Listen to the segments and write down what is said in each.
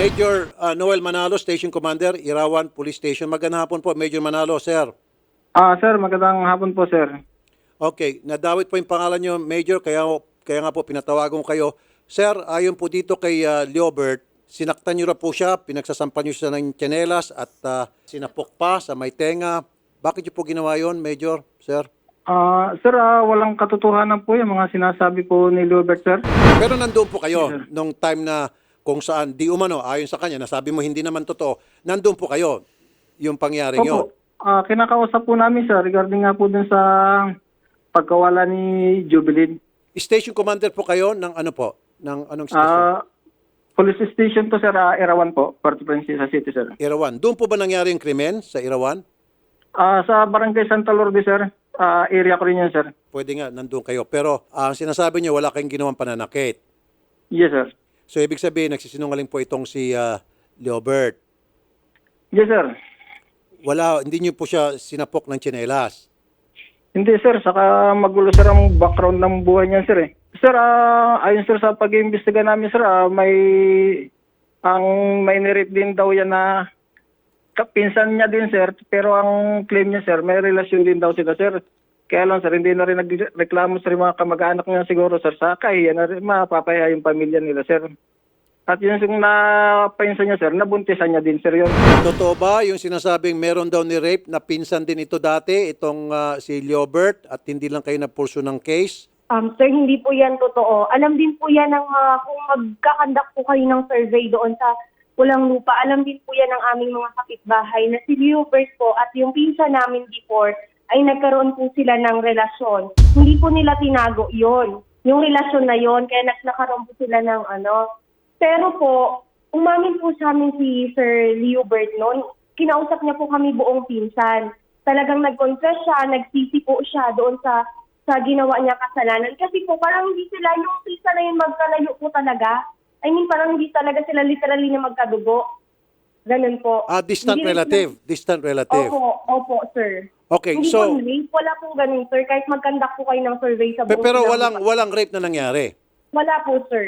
Major Noel Manalo, Station Commander, Irawan Police Station. Magandang hapon po, Major Manalo, sir. Sir, magandang hapon po, sir. Okay, nadawit po yung pangalan nyo, Major, kaya nga po pinatawagan ko kayo. Sir, ayon po dito kay Leobert, sinaktan nyo na po siya, pinagsasampan nyo siya ng tsinelas at sinapok pa sa may tenga. Bakit nyo po ginawa yon, Major, sir? Sir, walang katotohanan po yung mga sinasabi po ni Lubert, sir. Pero nandoon po kayo nung time na kung saan di umano, ayon sa kanya, nasabi mo hindi naman totoo, nandoon po kayo yung pangyaring yun. Opo, kinakausap po namin, sir, regarding nga po dun sa pagkawala ni Jubilin. Station Commander po kayo ng ano po? Ng anong station? Police station to, sir, Irawan po, Puerto Princesa City, sir. Irawan. Doon po ba nangyari yung krimen sa Irawan? Sa Barangay Santa Lourdes, sir, area ko rin yan, sir. Pwede nga, nandun kayo. Pero ang sinasabi niyo, wala kayong ginawang pananakit. Yes, sir. So, ibig sabihin, nagsisinungaling po itong si Leobert. Yes, sir. Hindi niyo po siya sinapok ng tsinelas. Hindi, sir. Saka magulo, sir, ang background ng buhay niya, sir, eh. Sir, ayun, sir, sa pag-iimbestiga namin, sir, may nirip din daw yan na kapinsan niya din, sir. Pero ang claim niya, sir, may relasyon din daw sila, sir. Kaya lang, sir, hindi na rin nagreklamo, sir, yung mga kamag-anak niya siguro, sir. Sa kahiya na rin mapapaya yung pamilya nila, sir. At yun yung napinsan niya, sir, nabuntisan niya din, sir, yun. Totoo ba yung sinasabing meron daw ni rape na pinsan din ito dati, itong si Leobert, at hindi lang kayo na-pursue ng case? Sir, hindi po yan totoo. Alam din po yan ng kung magkakandak po kayo ng survey doon sa Pulang Lupa, alam din po yan ng aming mga kapitbahay na si Leobert po at yung pinsan namin before ay nagkaroon po sila ng relasyon. Hindi po nila tinago yon, yung relasyon na yon, kaya nagkaroon po sila ng ano. Pero po, umamin po sa amin si Sir Leobert noon, kinausap niya po kami buong pinsan. Talagang nag-confess siya, nagsisi po siya doon sa ginawa niya kasalanan. Kasi po parang hindi sila, yung pinsan na yun magkalayo po talaga. I mean, parang hindi talaga sila literally na magkadugo. Ganun po. Distant Hindi rin relative. sila- Distant relative. Opo, sir. Okay, Hindi so, po rape, wala pong ganun, sir. Kahit magkandak po kayo ng survey sa buong pero Pulang Lupa. walang rape na nangyari. Wala po, sir.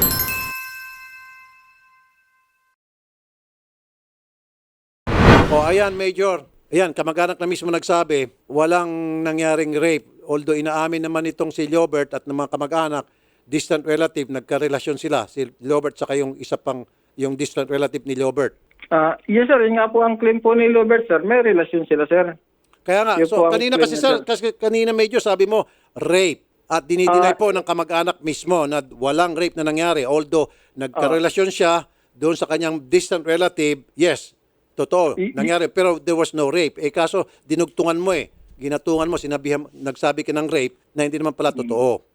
O ayan, Major. Ayan, kamag-anak na mismo nagsabi, walang nangyaring rape. Although inaamin naman itong si Leobert at ng mga kamag-anak, distant relative, nagkarelasyon sila. Si Leobert saka yung isa pang, yung distant relative ni Leobert. Yes, sir, yun nga po ang claim po ni Lubert, sir. May relasyon sila, sir. Kaya nga, Yun so po ang kanina claim kasi niya, sir, kasi kanina Major, sabi mo, rape. At dinideny po ng kamag-anak mismo na walang rape na nangyari. Although nagkarelasyon siya doon sa kanyang distant relative, yes, totoo, nangyari. Pero there was no rape. Kaso dinugtungan mo ginatungan mo, nagsabi ka ng rape na hindi naman pala totoo.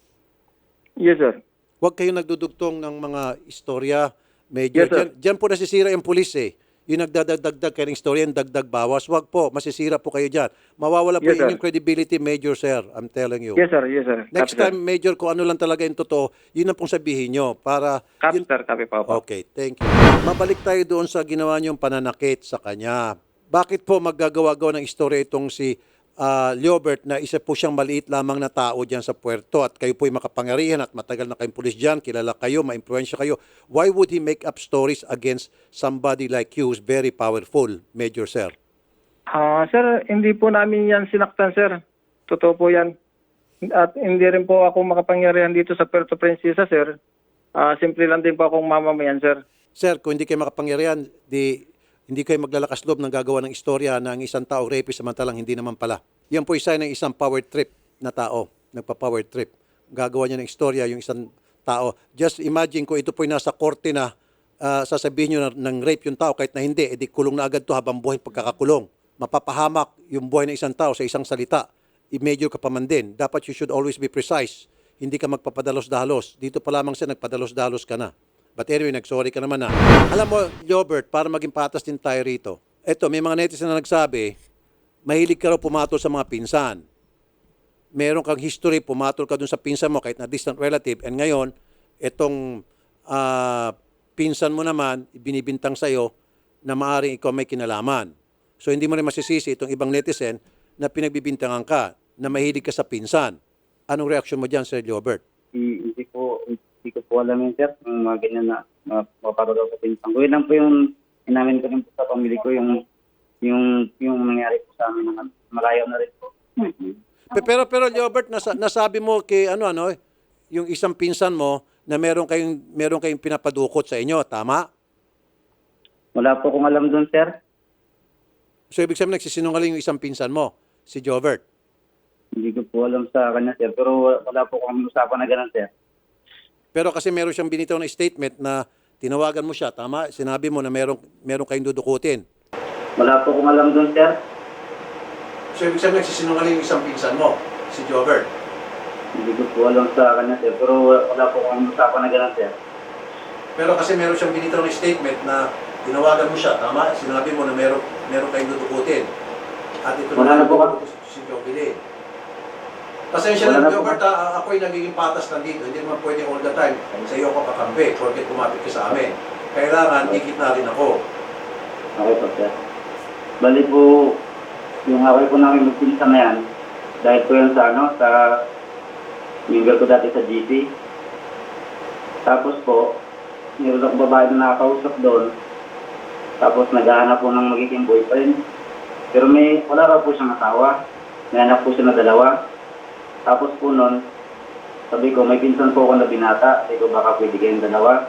Yes, sir. Huwag kayong nagdudugtong ng mga istorya, Major. Yes, sir. Diyan po nasisira yung pulis Yung nagdadagdag kayo ng istorya, yung dagdag bawas. Huwag po, masisira po kayo dyan. Mawawala po Yes, sir. yung credibility, Major, sir. I'm telling you. Yes, sir. Yes, sir. Next Copy, time, Major, kung ano lang talaga yung totoo, yun ang pong sabihin nyo. Para, Copy, yun- sir. Copy po. Okay, thank you. Mabalik tayo doon sa ginawa niyong pananakit sa kanya. Bakit po maggagawa-gawa ng istorya itong si Leobert na isa po siyang maliit lamang na tao dyan sa puerto at kayo po'y makapangyarihan at matagal na kayong pulis dyan, kilala kayo, ma-influensya kayo. Why would he make up stories against somebody like you who's very powerful, Major, sir? Sir, hindi po namin yan sinaktan, sir. Totoo po yan. At hindi rin po ako makapangyarihan dito sa Puerto Princesa, sir. Simple lang din po akong mamamayan, sir. Sir, kung hindi kayo makapangyarihan, hindi kayo maglalakas loob ng gagawa ng istorya na ang isang tao rapist samantalang hindi naman pala. Yan po isa ng isang power trip na tao, nagpa-power trip. Gagawa niya ng istorya yung isang tao. Just imagine kung ito po'y nasa korte na sasabihin nyo ng rape yung tao kahit na hindi, edi kulong na agad to habang buhay pagkakakulong. Mapapahamak yung buhay ng isang tao sa isang salita. I-major ka pa man din. Dapat you should always be precise. Hindi ka magpapadalos-dalos. Dito pa lamang siya nagpadalos-dalos ka na. But anyway, nag-sorry ka naman na. Alam mo, Leobert, para maging patas din tayo rito. Eto, may mga netizen na nagsabi, mahilig ka raw pumatol sa mga pinsan. Meron kang history, pumatol ka dun sa pinsan mo kahit na distant relative. And ngayon, etong pinsan mo naman, binibintang sa'yo na maaaring ikaw may kinalaman. So hindi mo rin masisisi itong ibang netizen na pinagbibintangan ka, na mahilig ka sa pinsan. Anong reaksyon mo dyan, Sir Leobert? Hindi ko ko po alam yun, sir. Yung mga ganyan na mapapagaw sa pinsan ko. Yun lang po yung inamin ko rin po sa pamilya ko, yung nangyari po sa amin. Malayo na rin po. Pero Leobert, nasabi mo kay yung isang pinsan mo na meron kayong pinapadukot sa inyo, tama? Wala po akong alam doon, sir. So ibig sabihin nagsisinungaling yung isang pinsan mo, si Jovert. Hindi ko po alam sa kanya, sir. Pero wala po akong usapan na ganun, sir. Pero kasi meron siyang binitaw na statement na tinawagan mo siya, tama? Sinabi mo na meron kayong dudukutin. Wala po akong alam doon, sir. So ibig sabihin nagsisinungaling yung isang pinsan mo, si Jovert. Hindi ko po alam sa kanya, sir. Pero wala po akong usapan na ganun, sir. Pero kasi meron siyang binitaw na statement na tinawagan mo siya, tama? Sinabi mo na meron kayong dudukutin. At ito Wala na po si Jovert. Pasensya Wala na, na po. Jovert, ako'y nagiging patas na dito. Hindi naman pwede all the time sa iyo ako kakampi porque kumapit ka sa amin. Kailangan, ikit na rin ako. Okay po, sir. Bali po, yung away po namin magpinsan na yan, dahil po yan sa member ko dati sa GC. Tapos po, meron akong babae na nakakausap doon. Tapos naghahanap po ng magiging boyfriend. Pero wala raw po siyang asawa. May anak po siya na 2. Tapos po noon, sabi ko, may pinsan po ako na binata. Sabi ko, baka pwede kayong 2.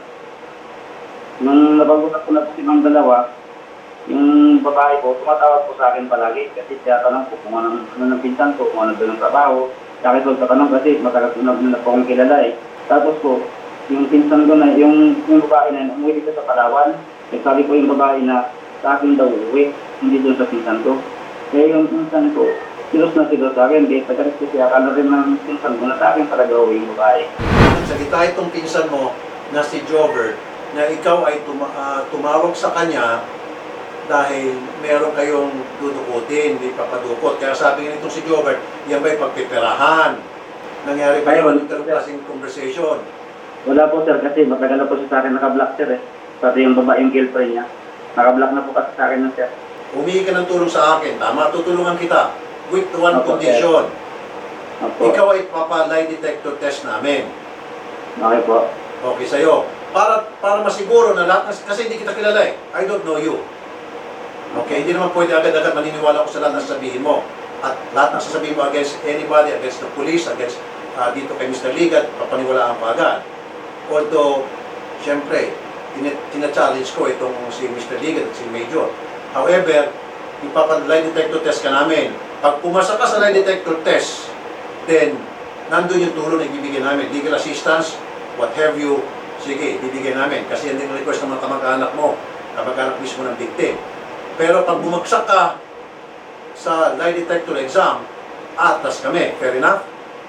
Nung napag-usap ko na po silang 2, yung babae ko, tumatawag po sa akin palagi. Kasi tinatanong ko kung ano ng pinsan ko, kung ano doon ng trabaho. Sa akin po tatanong kasi matagal ko na po akong kilala eh. Tapos po, yung pinsan ko na, yung babae na umuwi dito sa Palawan. Nagsabi po yung babae na sa akin daw uwi, hindi doon sa pinsan ko. Kaya yung pinsan ko, silos na silos sa akin, di pagkakas kasi akala rin ng pinsan ko na sa akin talaga uwi yung babae. Salita itong pinsan mo na si Jovert na ikaw ay tumawag sa kanya dahil meron kayong dudukutin, hindi papadukot. Kaya sabi nga nitong si Jovert, yan ba'y pagpiperahan? Nangyari ba yung ganung klaseng conversation? Wala po sir, kasi matagal na po siya sa akin naka-block sir eh. Pati yung babaeng girlfriend niya. Naka-block na po kasi sa akin ng sir. Humingi ka ng tulong sa akin, tama? Tutulungan kita. With one Opo, condition. Opo. Ikaw ay papa-lie detector test namin. Okay po. Okay sa'yo. Para masiguro na lahat, kasi hindi kita kilala eh. I don't know you. Okay, hindi naman pwede agad-agad maniniwala ko sa lahat na sasabihin mo. At lahat na sasabihin mo against anybody, against the police, against dito kay Mr. Ligat, papaniwalaan pa agad. Although, syempre, tina-challenge ko itong si Mr. Ligat at si Major. However, ipapa-lie detector test ka namin. Pag pumasa ka sa lie detector test, then, nandun yung tulong na ibibigay namin. Legal assistance, what have you, sige, ibibigay namin. Kasi yan din ang request ng mga kamag-anak mo, kamag-anak mismo ng victim. Pero pag bumagsak ka sa lie detector exam, atas kami. Fair enough?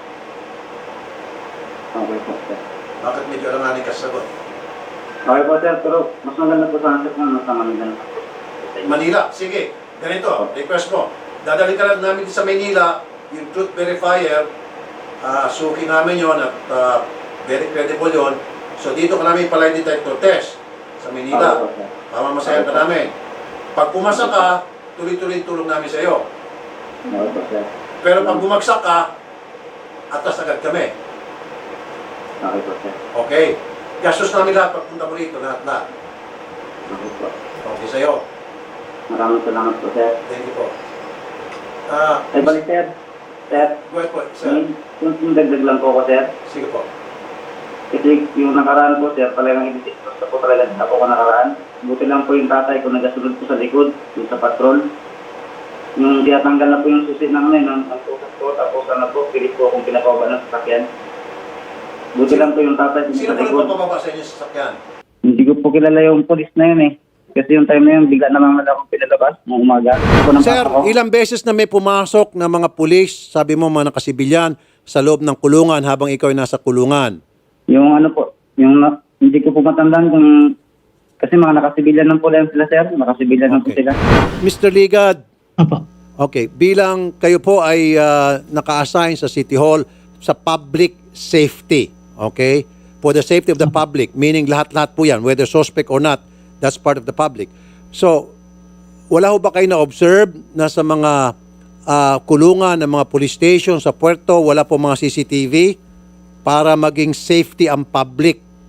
Okay po sir. Bakit medyo alanganin ka sa sagot? Okay po sir, pero mas maganda po sa answer kung nasa Manila. Manila, sige. Ganito, request mo. Dadalhin ka lang namin sa Manila, yung truth verifier, suki namin yon at very credible yon. So dito ka namin pa lie detector test sa Manila. Okay po sir. Pamamasayan ka namin. Pag pumasa ka, tuloy-tuloy tulong namin sa iyo. Okay po sir. Pero pag bumagsak ka, atas agad kami. Okay po sir. Okay? Gastos namin lahat pagpunta mo rito, lahat. Okay po. Okay sa'yo. Maraming salamat po sir. Thank you po. Ay balik sir. Sir, Go ahead po, sir. yung dagdag lang po ako sir. Sige po. Kasi yung nakaraan po sir, talagang initistos na po talaga sa po ko nakaraan. Buti lang po yung tatay ko nagasunod po sa likod, yung sa patrol. Yung tinatanggal na po yung susi ng tusas ko, tapos po, pilit po akong pinapaba ng sasakyan. Buti lang po yung tatay ko Sino sa po likod. nagpapababa sa inyo sa sasakyan? Hindi ko po kilala yung polis na yun eh. Kasi yung time na yun, bigla naman akong pinalabas ng umaga. Sir, ilang beses na may pumasok na mga pulis, sabi mo mga nakasibilyan, sa loob ng kulungan habang ikaw ay nasa kulungan? Yung ano po, hindi ko po matandaan kung, kasi mga nakasibilyan ng pula sila sir, nakasibilyan ng po Okay. sila. Mr. Ligad, Apo. okay, bilang kayo po ay naka-assign sa City Hall sa public safety, okay? For the safety of the public, meaning lahat-lahat po yan, whether suspect or not, that's part of the public. So, wala ho ba kayo na-observe na sa mga kulungan ng mga police station sa puerto, wala po mga CCTV para maging safety ang public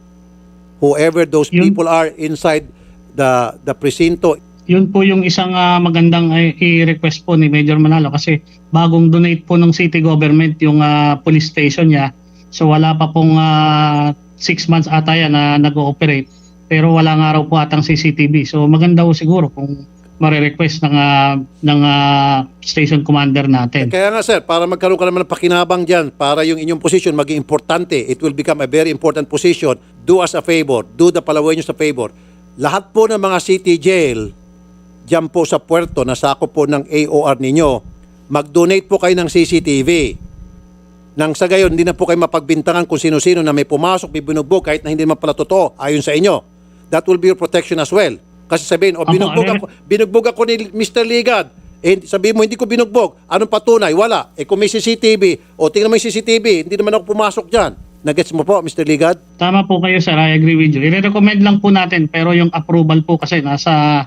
whoever those Yun. people are inside the presinto. Yun po yung isang magandang i-request po ni Major Manalo kasi bagong donate po ng city government yung police station niya. So wala pa pong 6 months ata yan na nag-ooperate. Pero wala nga raw po atang CCTV. So maganda po siguro kung marirequest ng station commander natin. Kaya nga sir, para magkaroon ka naman ng pakinabang dyan, para yung inyong position maging importante, it will become a very important position, do us a favor, do the Palaweños a favor. Lahat po ng mga city jail, dyan po sa puerto, na sakop po ng AOR ninyo, mag-donate po kayo ng CCTV. Nang sa gayon, hindi na po kayo mapagbintangan kung sino-sino na may pumasok, may binugbog, kahit na hindi naman pala totoo, ayon sa inyo. That will be your protection as well. Kasi sabihin, binugbog ako ni Mr. Ligad. Eh, sabihin mo, hindi ko binugbog. Anong patunay? Wala. Eh kung may CCTV, tingnan mo yung CCTV, hindi naman ako pumasok dyan. Nagets mo po, Mr. Ligad? Tama po kayo sir, I agree with you. I-recommend lang po natin pero yung approval po kasi nasa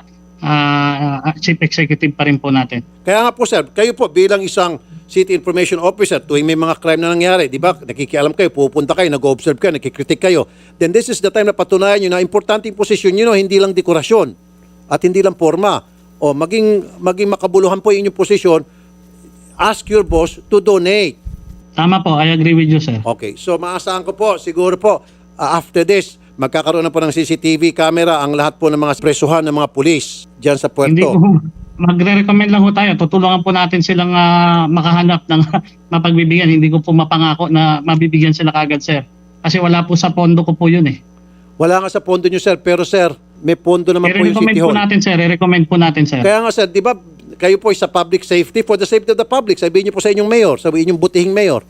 chief executive pa rin po natin. Kaya nga po sir, kayo po bilang isang city information officer, tuwing may mga crime na nangyari, di ba, nakikialam kayo, pupunta kayo, nag-observe kayo, nakikritik kayo, then this is the time na patunayan nyo na importante yung posisyon nyo, hindi lang dekorasyon at hindi lang forma. O maging makabuluhan po yung inyong posisyon, ask your boss to donate. Tama po, I agree with you sir. Okay, so maasahan ko po, siguro po, after this, magkakaroon na po ng CCTV camera ang lahat po ng mga presuhan ng mga pulis dyan sa Hindi puerto. po, magre-recommend lang po tayo. Tutulungan po natin silang makahanap ng mapagbibigyan. Hindi ko po mapangako na mabibigyan sila kagad, sir. Kasi wala po sa pondo ko po yun eh. Wala nga sa pondo nyo, sir, pero sir, may pondo naman po yung I-recommend City po Hall. natin, sir. I-recommend po natin, sir. Kaya nga, sir, di ba, kayo po ay sa public safety, for the safety of the public, sabihin nyo po sa inyong mayor, sabihin yung butihing mayor.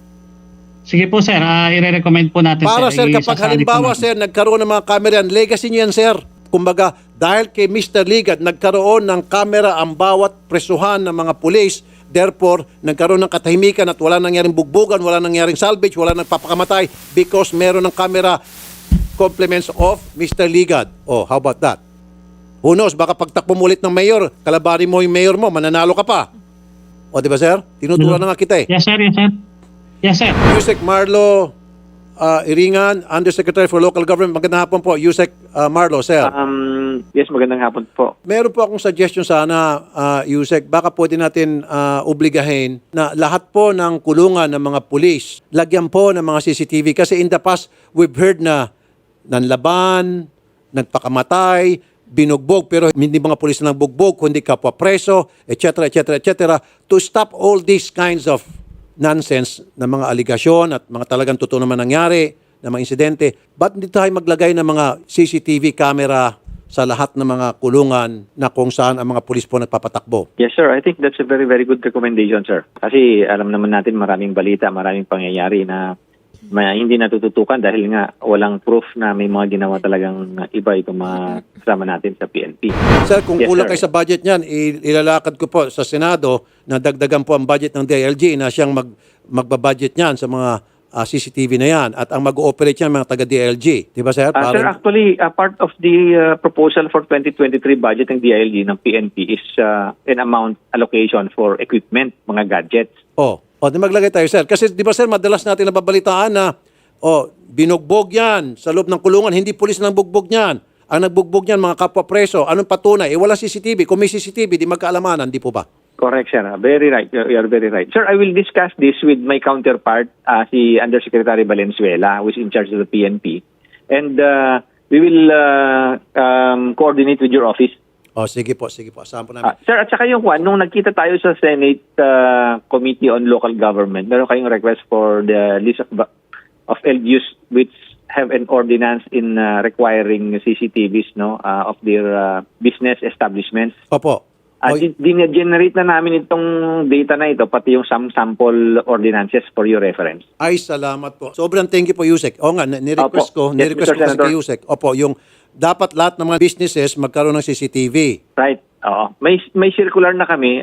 Sige po, sir. I-recommend po natin, Para, sir, kapag Isasali po halimbawa, natin. sir, nagkaroon ng mga camera yan, legacy nyo yan, sir. Kumbaga, dahil kay Mr. Ligad, nagkaroon ng camera ang bawat presuhan ng mga pulis, therefore, nagkaroon ng katahimikan at wala nangyaring bugbugan, wala nangyaring salvage, wala nagpapakamatay because meron ng camera compliments of Mr. Ligad. Oh, how about that? Who knows, baka pagtakbo mo ulit ng mayor, kalabanin mo yung mayor mo, mananalo ka pa. O, di ba, sir? Tinuturuan na nga kita eh. Yes, sir. Yes, sir. Yes, sir. Yusek Marlo Iringan, Undersecretary for Local Government. Magandang hapon po, Yusek Marlo, sir. Yes, magandang hapon po. Meron po akong suggestion sana, Yusek. Baka pwede natin obligahin na lahat po ng kulungan ng mga pulis, lagyan po ng mga CCTV. Kasi in the past, we've heard na nanlaban, nagpakamatay, binugbog, pero hindi mga pulis na nagbugbog, kundi kapwa preso, etc., etc., etc. To stop all these kinds of nonsense na mga aligasyon at mga talagang totoo naman nangyari na mga insidente, ba't hindi tayo maglagay ng mga CCTV camera sa lahat ng mga kulungan na kung saan ang mga pulis po nagpapatakbo? Yes, sir. I think that's a very, very good recommendation, sir. Kasi alam naman natin maraming balita, maraming pangyayari na hindi natututukan dahil nga walang proof na may mga ginawa talagang iba itong mga kasama natin sa PNP. Sir, kung Yes, kulang sir. kayo sa budget niyan, ilalakad ko po sa Senado na dagdagan po ang budget ng DILG na siyang magbabudget niyan sa mga CCTV na yan at ang mag-ooperate yan mga taga-DILG. Di ba, sir? Sir, actually, part of the proposal for 2023 budget ng DILG ng PNP is an amount allocation for equipment, mga gadgets. Di maglagay tayo, sir. Kasi di ba, sir, madalas natin nababalitaan na binugbog yan sa loob ng kulungan. Hindi pulis nang bugbog yan. Ang nagbugbog yan, mga kapwa preso. Anong patunay? Wala CCTV. Kung may CCTV, di magkaalamanan. Di po ba? Correct, sir. Very right. You're very right. Sir, I will discuss this with my counterpart, si Undersecretary Valenzuela, who is in charge of the PNP. And we will coordinate with your office. Sige po. Asahan po namin. Sir, at saka yung nung nagkita tayo sa Senate Committee on Local Government, meron kayong request for the list of LGUs which have an ordinance in requiring CCTVs of their business establishments. Opo. Generate na namin itong data na ito, pati yung sample ordinances for your reference. Ay, salamat po. Sobrang thank you po, Yusek. O nga, nirequest Opo. ko Yes, kasi Mr. Senator. kay Yusek. Opo, yung dapat lahat ng mga businesses magkaroon ng CCTV. Right. Oo. May circular na kami.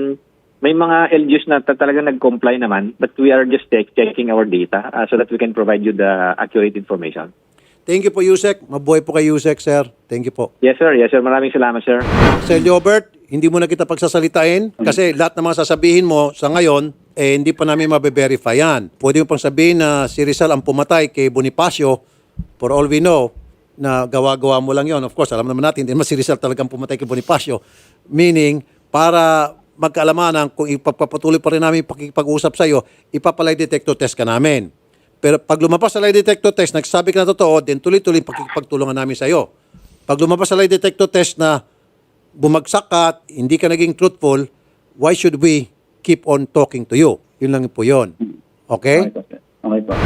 May mga LGUs na talagang nag-comply naman, but we are just checking our data so that we can provide you the accurate information. Thank you po, Yusek. Mabuhay po kay Yusek, sir. Thank you po. Yes, sir. Yes, sir. Maraming salamat, sir. Sir Liobert, hindi mo na kita pagsasalitain kasi lahat ng mga sasabihin mo sa ngayon, hindi pa namin mabe-verify yan. Pwede mo pang sabihin na si Rizal ang pumatay kay Bonifacio, For all we know, na gawa-gawa mo lang yon. Of course, alam naman natin, hindi naman si Rizal talagang pumatay kay Bonifacio. Meaning, para magkaalamanan, kung ipagpapatuloy pa rin namin pag-uusap sa iyo, ipapalay detector test ka namin. Pero pag lumabas sa lie detector test, nagsabi ka na totoo, then tuloy-tuloy pagtulungan namin sa iyo. Pag lumabas sa lie detector test na bumagsak ka at hindi ka naging truthful, why should we keep on talking to you? Yun lang po yun. Okay? Okay po, sir. Okay po.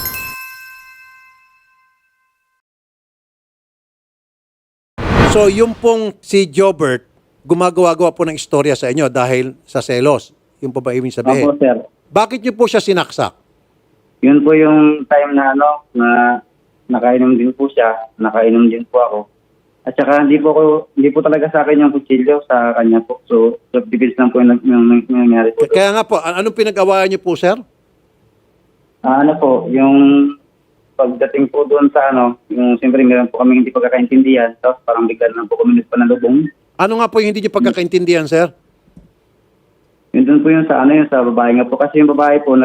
So, yung pong si Jobert, gumagawa-gawa po ng istorya sa inyo dahil sa selos. Yung po ba ibig sabihin? Opo, sir. Bakit niyo po siya sinaksak? Yun po yung time na na nakainom din po siya, nakainom din po ako. At saka hindi po talaga sa akin yung kutsilyo, sa kanya po. So, self-defense lang po yung nangyari po. Kaya nga po, anong pinag-awayan niyo po, sir? Yung pagdating po doon sa yung siyempre meron po kami hindi pagkakaintindihan, tapos parang bigla lang po kami panalubong. Ano nga po yung hindi niyo pagkakaintindihan, sir? Yun doon po yung sa yung sa babae nga po. Kasi yung babae po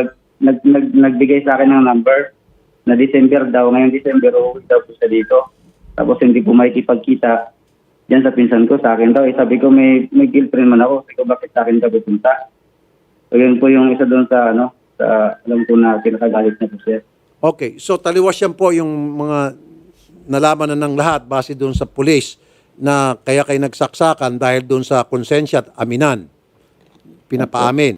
nagbigay sa akin ng number na December daw. Ngayong December, uuwi daw po siya dito. Tapos hindi po makikipagkita diyan sa pinsan ko. Sa akin daw, sabi ko may girlfriend man ako. Sabi ko, bakit sa akin ka pupunta? So yun po yung isa doon sa sa alam ko na kinakagalit na po siya. Okay, so taliwas yan po yung mga nalaman na ng lahat base doon sa pulis na kaya kayo nagsaksakan dahil doon sa konsensya at aminan. Pinapaamin.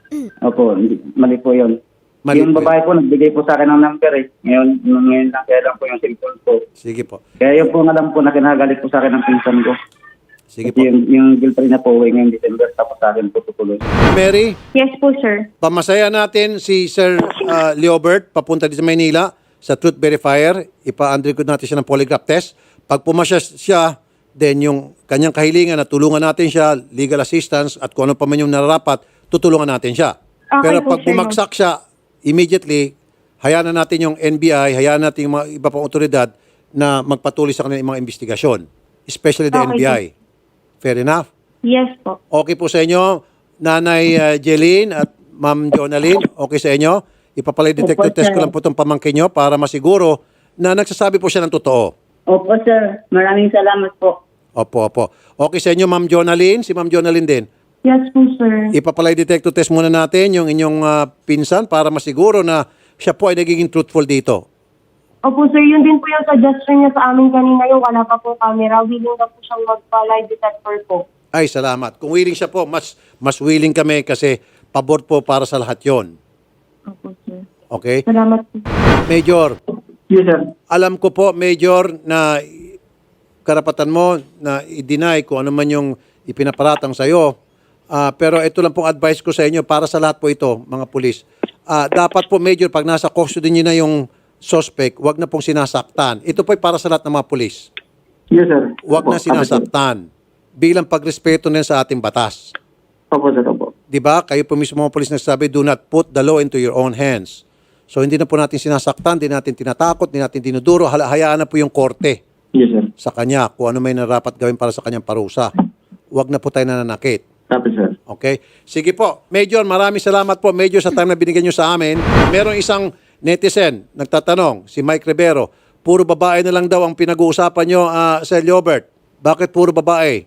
Opo, mali po yun. Mali Yung po babae po, nagbigay po sa akin ng number eh. Ngayon lang, kaya lang po yung cellphone ko. Sige po. Kaya yun po alam po na kinagalit po sa akin ng pinsan ko. Sige Kasi po. yung girlfriend na po uwi ngayong December, tapos sa akin po tutuloy. Mary, Yes po, sir. pamasaya natin si Sir Leobert papunta dito sa Maynila sa Truth Verifier. Ipa-undergo natin siya ng polygraph test. Pag pumasya siya, then yung kanyang kahilingan na tulungan natin siya, legal assistance at kung ano pa man yung nararapat, tutulungan natin siya. Okay Pero po, pag sir. bumagsak siya, immediately, hayaan na natin yung NBI, hayaan natin yung mga iba pang otoridad na magpatuloy sa kanilang mga investigasyon. Especially the Okay, NBI. Fair enough? Yes po. Okay po sa inyo, Nanay Jeline at Ma'am Jonalyn, okay sa inyo? Ipapalay detector Opo, test ko sir. lang po itong pamangkin nyo para masiguro na nagsasabi po siya ng totoo. Opo, sir. Maraming salamat po. Opo, opo. Okay sa inyo, Ma'am Jonalyn? Si Ma'am Jonalyn din. Yes po, sir. Ipapalay detector test muna natin yung inyong pinsan para masiguro na siya po ay nagiging truthful dito. Opo, sir. Yun din po yung suggestion niya sa amin kanina. Yung wala pa po camera. Willing na po siyang magpa-lie detector po. Ay, salamat. Kung willing siya po, mas willing kami kasi pabor po para sa lahat yon. Opo, sir. Okay? Salamat po. Major, Yes, sir. alam ko po, Major, na karapatan mo na i-deny kung ano man yung ipinaparatang sa'yo. Pero ito lang pong advice ko sa inyo para sa lahat po ito, mga pulis. Dapat po, Major, pag nasa custody niyo na yung suspect, wag na pong sinasaktan. Ito po ay para sa lahat ng mga pulis. Yes, sir. Wag na sinasaktan. Bilang pagrespeto nila sa ating batas. Opo, sir. Opo. Di ba? Kayo po mismo mga pulis nagsabi, do not put the law into your own hands. So hindi na po natin sinasaktan, hindi natin tinatakot, hindi natin dinuduro. Hayaan na po yung korte Yes, sir. sa kanya kung ano may narapat gawin para sa kanyang parusa. Wag na po tayo nananakit. Tapos, sir. Okay? Sige po. Major, maraming salamat po, Major, sa time na binigyan nyo sa amin. Merong isang netizen nagtatanong, si Mike Rivero, puro babae na lang daw ang pinag-uusapan nyo, Sir Leobert. Bakit puro babae?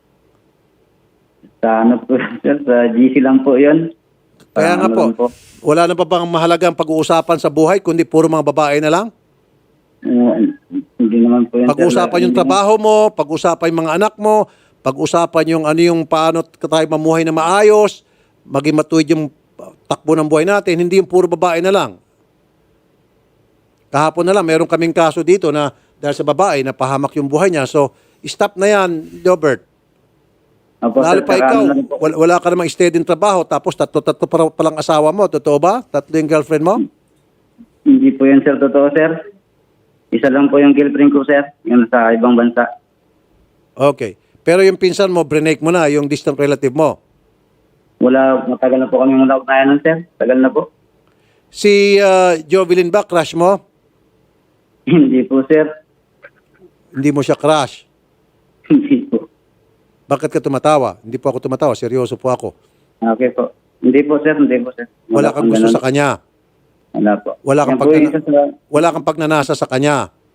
Sa po, sir, sa GC lang po yun. Kaya nga Ano po, lang po. wala na pa bang mahalagang pag-uusapan sa buhay kundi puro mga babae na lang? Hindi naman po yun, sir. Pag-usapan yung trabaho mo, pag-usapan yung mga anak mo, pag-usapan yung ano yung paano tayo mamuhay na maayos, maging matuwid yung takbo ng buhay natin, hindi yung puro babae na lang. Kahapon na lang, meron kaming kaso dito na dahil sa babae, napahamak yung buhay niya. So, stop na yan, Robert. Opo, Lalo sir, pa saka ikaw, ano lang po. wala ka namang steady ng trabaho, tapos tatlo palang asawa mo. Totoo ba? Tatlo yung girlfriend mo? Hindi po yan, sir. Totoo, sir. Isa lang po yung girlfriend ko, sir. Yung sa ibang bansa. Okay. Pero yung pinsan mo, brinake mo na, yung distant relative mo. Matagal na po kami mula ugnayan nun, sir. Tagal na po. Si Jovelyn ba, crush mo? Hindi po, sir. Hindi mo siya crush. Hindi po. Bakit ka tumatawa? Hindi po ako tumatawa, seryoso po ako. Okay po. Hindi po, sir. Hindi po, sir. Wala kang gusto ganun. sa kanya. Wala po. Wala kang Yan po yung isa sa- Wala kang pagnanasa sa kanya.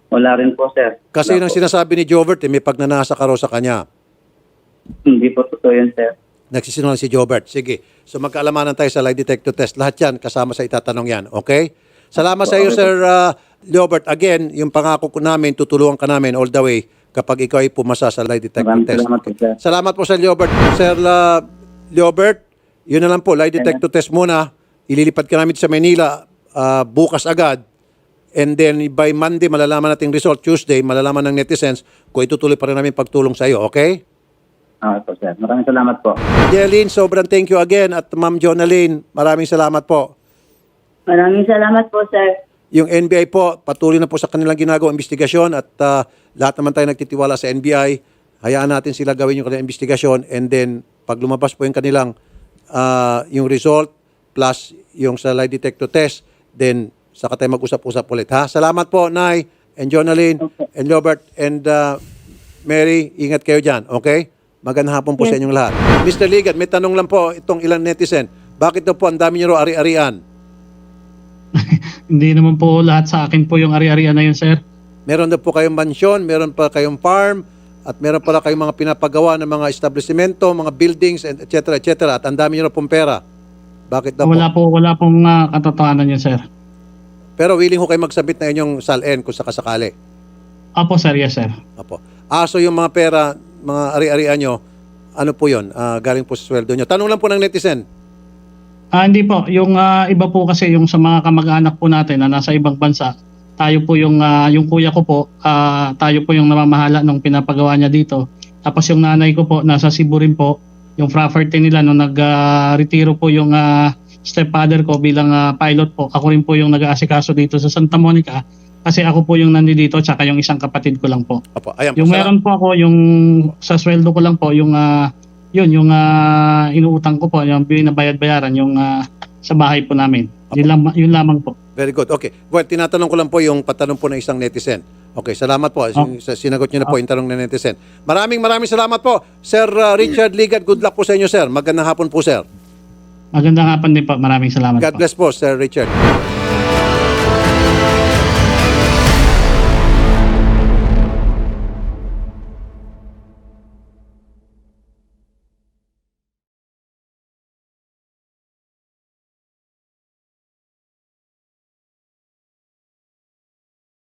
Wala rin po, sir. Kasi yun Wala ang po. sinasabi ni Jobert, may pagnanasa ka raw sa kanya. Hindi po totoo yun, sir. Nagsisinungaling si Jobert. Sige. So magkaalamanan tayo sa lie detector test. Lahat yan, kasama sa itatanong yan. Okay? Salamat sa iyo, Sir Jobert. Again, yung pangako ko namin, tutulungan ka namin all the way kapag ikaw ay pumasa sa lie detector Maraming test. salamat po, sir. Salamat po, Sir Jobert. Sir Jobert, yun na lang po, lie detector test muna. Ililipad ka namin sa Manila bukas agad. And then by Monday, malalaman natin result. Tuesday, malalaman ng netizens kung itutuloy pa rin namin pagtulong sa iyo. Okay? Okay po, sir. Maraming salamat po. Jeline, sobrang thank you again. At Ma'am Jonalyn, maraming salamat po. Maraming salamat po, sir. Yung NBI po, patuloy na po sa kanilang ginagawang investigasyon at lahat naman tayo nagtitiwala sa NBI. Hayaan natin sila gawin yung kanilang investigasyon and then pag lumabas po yung kanilang yung result plus yung sa lie detector test, then saka tayo mag-usap-usap ulit. Ha? Salamat po, Nay, and Jonalyn, and Robert, and Mary. Ingat kayo dyan, okay? Magandang hapon po sa inyong lahat. Mr. Ligat, may tanong lang po itong ilang netizen. Bakit daw po ang dami niyo raw ari-arian? Hindi naman po lahat sa akin po yung ari-arian na yun, sir. Meron daw po kayong mansyon, meron pa kayong farm, at meron pala kayong mga pinapagawa ng mga establishmento, mga buildings, and et cetera, at ang dami niyo raw pong pera. Bakit daw po? Wala pong katotohanan yun, sir. Pero willing ho kayo magsabit na inyong SALN kung sakasakali. Apo, sir. Yes, sir. Apo. So yung mga pera, mga ari-arian nyo, ano po yun? Galing po sa sweldo nyo. Tanong lang po ng netizen. Hindi po. Yung iba po kasi yung sa mga kamag-anak po natin na nasa ibang bansa, tayo po yung kuya ko po, tayo po yung namamahala nung pinapagawa niya dito. Tapos yung nanay ko po, nasa Cebu rin po. Yung property nila nung nag-retiro po yung stepfather ko bilang pilot po. Ako rin po yung nag-aasikaso dito sa Santa Monica kasi ako po yung nandito tsaka yung isang kapatid ko lang po. Apo. Ayan po. Yung meron po ako yung sa sweldo ko lang po yung yung inuutang ko po yung binabayad-bayaran yung sa bahay po namin. Yun lamang po. Very good. Okay. Well, tinatanong ko lang po yung patanong po ng isang netizen. Okay, salamat po. Sinagot niyo na po yung tanong ng netizen. Maraming salamat po. Sir Richard Ligat, good luck po sa inyo, sir. Magandang hapon po, sir. Magandang hapon din po. Maraming salamat God po. bless po, Sir Richard.